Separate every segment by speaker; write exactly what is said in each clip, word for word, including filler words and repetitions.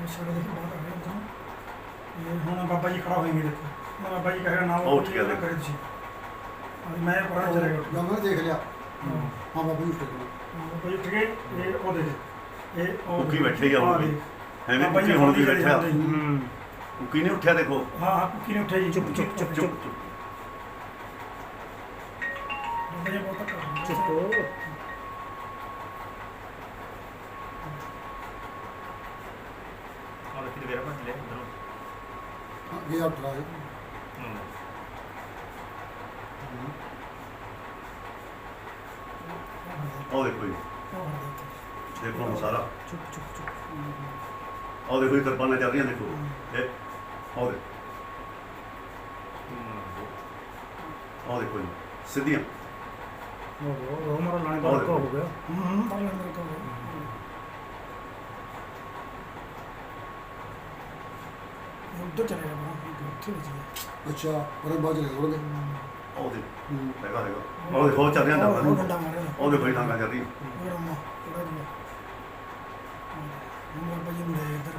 Speaker 1: शेरे देखो बात आ गई तो ये हुन बाबा जी खड़ा होएंगे देखो मैं बाबा जी कहेगा ना
Speaker 2: उठ गया
Speaker 1: करे तुसी मैं पढ़ा चले गया
Speaker 3: जमन देख लिया
Speaker 1: हां
Speaker 3: हाँ बाबा जी उठ गए
Speaker 1: बाबा जी उठ गए ये ओ देख ये ओ
Speaker 2: कुकी बैठे ही आ वो भी ਐਵੇਂ
Speaker 1: बाबा जी
Speaker 2: ਕੁਕੀ ਹੁਣ ਵੀ
Speaker 1: चले
Speaker 2: ਬੈਠਾ
Speaker 1: जाते हैं।
Speaker 4: ਹੂੰ
Speaker 2: ਕੁਕੀ ਨਹੀਂ ਉੱਠਿਆ ਦੇਖੋ
Speaker 1: हाँ हाँ कुकी ने उठाई
Speaker 4: चुप चुप चुप चुप
Speaker 2: ਚੁੱਪ
Speaker 1: बाबा जी बहुत कर
Speaker 4: चुप हो
Speaker 5: और फिर मेरा पास ले अंदर
Speaker 3: हाँ गया उठ रहा है
Speaker 2: ਉਹ ਦੇਖੋ ਜੀ ਦੇਖੋ ਹੁਣ ਸਾਰਾ
Speaker 1: चुप चुप चुप
Speaker 2: ਉਹ ਦੇਖੋ ਜੀ ਕਿਰਪਾਨਾਂ ਚੱਲ ਰਹੀਆਂ ਦੇਖੋ ਇਹ ਉਹ ਦੇਖੋ ਉਹ ਦੇਖੋ ਜੀ ਸਿੱਧੀਆਂ
Speaker 4: हो गया हमारा लाने का
Speaker 2: और-
Speaker 4: हो गया
Speaker 1: हम्म बाबा अंदर को उधर चले गया बाबा ठीक है
Speaker 3: अच्छा और बाद चले उड़ गए
Speaker 2: ਉਹ ਦੇ
Speaker 3: हम्म।
Speaker 2: ਹੈਗਾ ਹੈਗਾ ਉਹ ਦੇਖੋ ਉਹ ਚੱਲ ਰਿਹਾ
Speaker 1: और
Speaker 2: ਡੱਬਾ
Speaker 1: डंडा मारे
Speaker 2: ਉਹ ਦੇਖੋ ਜੀ ਡਾਂਗਾ ਚੱਲ ਰਹੀਆਂ
Speaker 1: और अम्मा थोड़ा दिया हम बाबा जी मुड़े इधर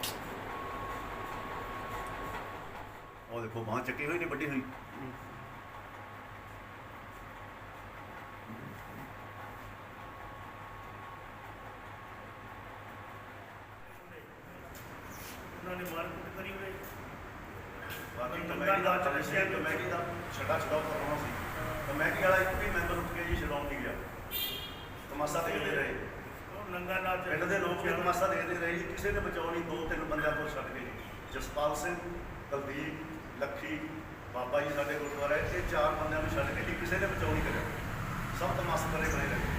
Speaker 2: ਉਹ ਦੇਖੋ ਬਾਂਹ ਚੱਕੀ ਹੋਈ ਨਹੀਂ ਵੱਡੀ ਹੋਈ
Speaker 5: ਉਹਨਾਂ ਨੇ ਮਾਰ ਕੁੱਟ ਕਰੀ ਹੋਏ
Speaker 2: ਬਾਕੀ ਕਮੇਟੀ ਦਾ ਚੱਲਿਆ ਕਮੇਟੀ ਦਾ ਛੜਾ ਛੜਾ ਕਰਨਾ ਸੀ ਕਮੇਟੀ ਵਾਲਾ ਇੱਕ ਵੀ ਮੈਂਬਰ ਉੱਠ ਕੇ ਜੀ ਛਡਾਉਣ ਨਹੀਂ ਗਿਆ ਤਮਾਸ਼ਾ ਦੇਖਦੇ ਰਹੇ
Speaker 5: ਉਹ ਨੰਗਾ ਨਾਚ
Speaker 2: ਪਿੰਡ ਦੇ ਲੋਕ ਵੀ ਤਮਾਸ਼ਾ ਦੇਖਦੇ ਰਹੇ ਜੀ ਕਿਸੇ ਨੇ ਬਚਾਉ ਨਹੀਂ ਦੋ ਤਿੰਨ ਬੰਦਿਆਂ ਤੋਂ ਛੱਡ ਕੇ ਜਸਪਾਲ ਸਿੰਘ ਕੁਲਦੀਪ ਲੱਖੀ ਬਾਬਾ ਜੀ ਸਾਡੇ ਗੁਰਦੁਆਰੇ ਇਹ ਚਾਰ ਬੰਦਿਆਂ ਨੂੰ ਛੱਡ ਕੇ ਜੀ ਕਿਸੇ ਨੇ ਬਚਾਉ ਨਹੀਂ ਕਰਿਆ ਸਭ ਤਮਾਸ਼ਾ ਕਰੇ ਬਣੇ ਰਹੇ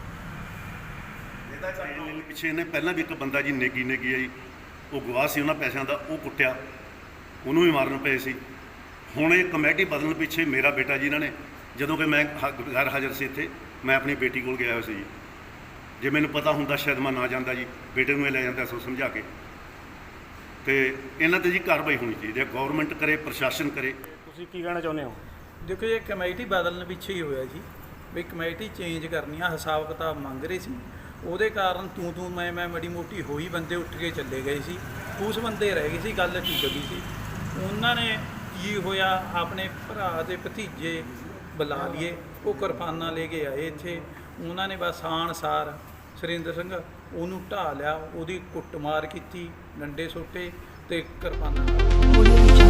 Speaker 2: ਇਹਦਾ ਚਾਹੀਦਾ ਪਿੱਛੇ ਇਹਨੇ ਪਹਿਲਾਂ ਵੀ ਇੱਕ ਬੰਦਾ ਜੀ ਨੇਗੀ ਨੇਗੀ ਆਈ ਉਹ ਗਵਾਹ ਸੀ ਉਹਨਾਂ ਪੈਸਿਆਂ ਦਾ ਉਹ ਕੁੱਟਿਆ ਉਹਨੂੰ ਵੀ ਮਾਰਨ ਪਏ ਸੀ ਹੁਣ ਇਹ ਕਮੇਟੀ ਬਦਲਣ ਪਿੱਛੇ ਮੇਰਾ ਬੇਟਾ ਜੀ ਇਹਨਾਂ ਨੇ ਜਦੋਂ ਕਿ ਮੈਂ ਹ- ਗੈਰ ਹਾਜ਼ਰ ਸੀ ਇੱਥੇ ਮੈਂ ਆਪਣੀ ਬੇਟੀ ਕੋਲ ਗਿਆ ਹੋਇਆ ਸੀ ਜੀ ਜੇ ਮੈਨੂੰ ਪਤਾ ਹੁੰਦਾ ਸ਼ਾਇਦ ਮੈਂ ਨਾ ਜਾਂਦਾ ਜੀ ਬੇਟੇ ਨੂੰ ਇਹ ਲੈ ਜਾਂਦਾ ਸੋ ਸਮਝਾ ਕੇ ਤੇ ਇਹਨਾਂ ਤੇ ਜੀ ਕਾਰਵਾਈ ਹੋਣੀ ਚਾਹੀਦੀ ਹੈ ਗਵਰਨਮੈਂਟ ਕਰੇ ਪ੍ਰਸ਼ਾਸਨ ਕਰੇ
Speaker 4: ਤੁਸੀਂ ਕੀ ਕਹਿਣਾ ਚਾਹੁੰਦੇ ਹੋ
Speaker 6: ਦੇਖੋ ਇਹ ਕਮੇਟੀ ਬਦਲਣ ਪਿੱਛੇ ਹੀ ਹੋਇਆ ਜੀ ਵੀ ਕਮੇਟੀ ਚੇਂਜ ਕਰਨੀ ਆ ਹਿਸਾਬ ਕਿਤਾਬ ਮੰਗ ਰਹੇ ਸੀ ਉਹਦੇ ਕਾਰਨ ਤੂੰ ਤੂੰ ਮੈਂ ਮੈਂ ਮੜੀ ਮੋਟੀ ਹੋਈ ਬੰਦੇ ਉੱਠ ਕੇ ਚੱਲੇ ਗਏ ਸੀ ਉਸ ਬੰਦੇ ਰਹਿ ਗਏ ਸੀ ਗੱਲ ਠੀਕ ਗਈ ਸੀ ਉਹਨਾਂ ਨੇ ਕੀ ਹੋਇਆ ਆਪਣੇ ਭਰਾ ਦੇ ਭਤੀਜੇ ਬੁਲਾ ਲਈਏ ਉਹ ਕਿਰਪਾਨਾਂ ਲੈ ਕੇ ਆਏ ਇੱਥੇ ਉਹਨਾਂ ਨੇ ਬਸ ਆਣਸਾਰ ਸੁਰਿੰਦਰ ਸਿੰਘ ਉਹਨੂੰ ਢਾਹ ਲਿਆ ਉਹਦੀ ਕੁੱਟਮਾਰ ਕੀਤੀ ਡੰਡੇ ਸੋਟੇ ਤੇ ਕਿਰਪਾਨਾਂ ਨਾਲ